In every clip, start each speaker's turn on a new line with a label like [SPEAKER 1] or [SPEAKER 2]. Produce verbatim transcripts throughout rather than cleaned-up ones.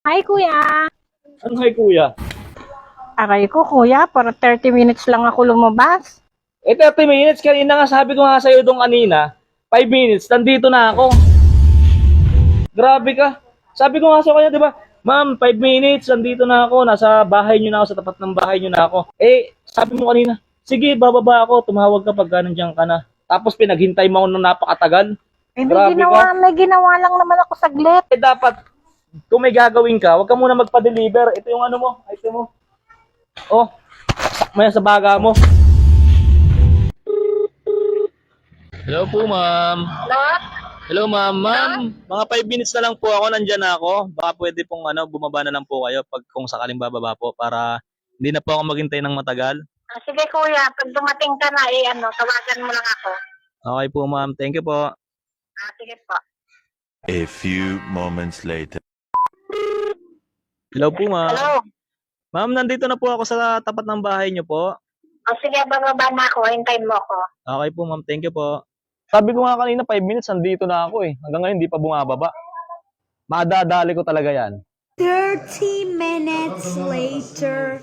[SPEAKER 1] Hi, kuya.
[SPEAKER 2] Ano kay kuya?
[SPEAKER 1] Aray ko, kuya. Para thirty minutes lang ako lumabas.
[SPEAKER 2] Eh, thirty minutes. Kanina nga sabi ko nga sa'yo doon kanina, five minutes, nandito na ako. Grabe ka. Sabi ko nga sa kanya, di ba, ma'am, five minutes, nandito na ako. Nasa bahay niyo na ako, sa tapat ng bahay niyo na ako. Eh, sabi mo kanina, sige, bababa ako, tumawag ka pagka nandiyan ka na. Tapos pinaghintay mo ako ng napakatagal.
[SPEAKER 1] Eh, may
[SPEAKER 2] Grabe
[SPEAKER 1] ginawa,
[SPEAKER 2] ka.
[SPEAKER 1] may ginawa lang naman ako saglit.
[SPEAKER 2] Eh, dapat, kung may gagawin ka, huwag ka muna magpa-deliver. Ito yung ano mo, item mo. Oh, sakmaya sa baga mo. Hello po, ma'am.
[SPEAKER 1] Hello?
[SPEAKER 2] Hello, ma'am. Ma'am, mga five minutes na lang po ako, nandyan na ako. Baka pwede pong ano, bumaba na lang po kayo pag kung sakaling bababa po para hindi na po ako maghintay ng matagal.
[SPEAKER 1] Ah, sige, kuya. Pag dumating ka na, eh, ano, tawagan mo lang ako.
[SPEAKER 2] Okay po, ma'am. Thank you po.
[SPEAKER 1] Ah, sige po.
[SPEAKER 3] A few moments later.
[SPEAKER 2] Hello po, ma'am.
[SPEAKER 1] Hello?
[SPEAKER 2] Ma'am, nandito na po ako sa tapat ng bahay niyo po.
[SPEAKER 1] Oh, sige, bababa na ako. Hintayin mo ako.
[SPEAKER 2] Okay po, ma'am. Thank you po. Sabi ko nga kanina, five minutes, nandito na ako eh. Hanggang ngayon, hindi pa bumababa. Madadali ko talaga yan.
[SPEAKER 4] thirty minutes later.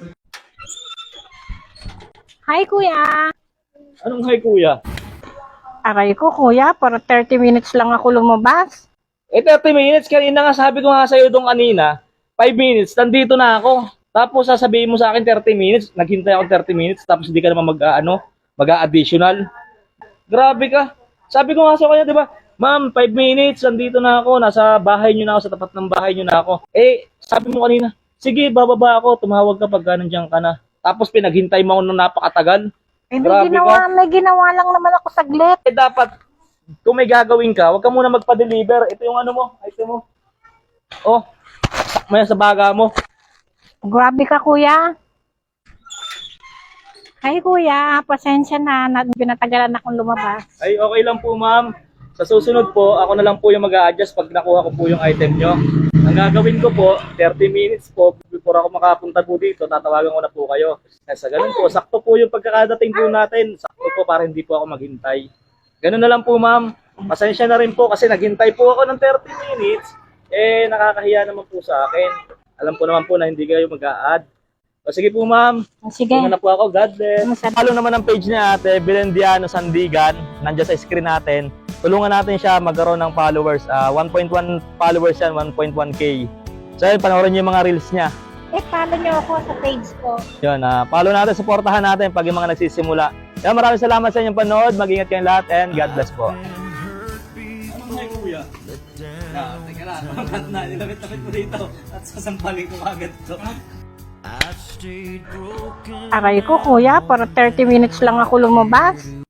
[SPEAKER 1] Hi, kuya.
[SPEAKER 2] Anong hi, kuya?
[SPEAKER 1] Aray ko, kuya. Para thirty minutes lang ako lumabas.
[SPEAKER 2] Eh, thirty minutes, kanina nga sabi ko nga sa'yo doon kanina, five minutes, nandito na ako. Tapos sasabihin mo sa akin thirty minutes, naghintay ako thirty minutes, tapos hindi ka naman mag-ano, mag-additional. Grabe ka. Sabi ko nga sa kanya, di ba, ma'am, five minutes, nandito na ako, nasa bahay niyo na ako, sa tapat ng bahay niyo na ako. Eh, sabi mo kanina, sige, bababa ako, tumawag ka pagka nandiyan ka na. Tapos pinaghintay mo ako ng napakatagal.
[SPEAKER 1] Eh, may
[SPEAKER 2] Grabe
[SPEAKER 1] ginawa,
[SPEAKER 2] ka.
[SPEAKER 1] may ginawa lang naman ako saglit.
[SPEAKER 2] Eh, dapat, kung may gagawin ka, huwag ka muna magpa-deliver. Ito yung ano mo, item mo. Oh, sakmaya sa baga mo.
[SPEAKER 1] Grabe ka, kuya. Hi, kuya. Pasensya na. na pinatagalan akong lumabas.
[SPEAKER 2] Ay, okay lang po, ma'am. Sa susunod po, ako na lang po yung mag-a-adjust pag nakuha ko po yung item nyo. Ang gagawin ko po, thirty minutes po, before ako makapunta po dito, tatawagan ko na po kayo. Kaya sa ganun po, sakto po yung pagkakadating po natin. Sakto po para hindi po ako maghintay. Ganun na lang po, ma'am. Pasensya na rin po kasi naghintay po ako ng thirty minutes. Eh, nakakahiya naman po sa akin. Alam po naman po na hindi kayo mag-a-add. O sige po, ma'am.
[SPEAKER 1] Sige.
[SPEAKER 2] Una na po ako. God bless.
[SPEAKER 1] Masarap.
[SPEAKER 2] Follow naman ang page niya, Ate Belendiano Sandigan. Nandiyan sa screen natin. Tulungan natin siya magkaroon ng followers. Uh, one point one followers yan, one point one K. So yun, panoorin niyo yung mga reels niya.
[SPEAKER 1] Eh, follow niyo ako sa page ko.
[SPEAKER 2] Yun, uh, follow natin, supportahan natin pag yung mga nagsisimula. Kaya maraming salamat sa inyong panood. Mag-ingat kayong lahat and God bless po. Ano nga kuya? Ah, teka lang. Magat na. Nilapit-lapit mo dito. At sasampalin ko agad ito.
[SPEAKER 1] Aray ko, kuya. Para thirty minutes lang ako lumabas.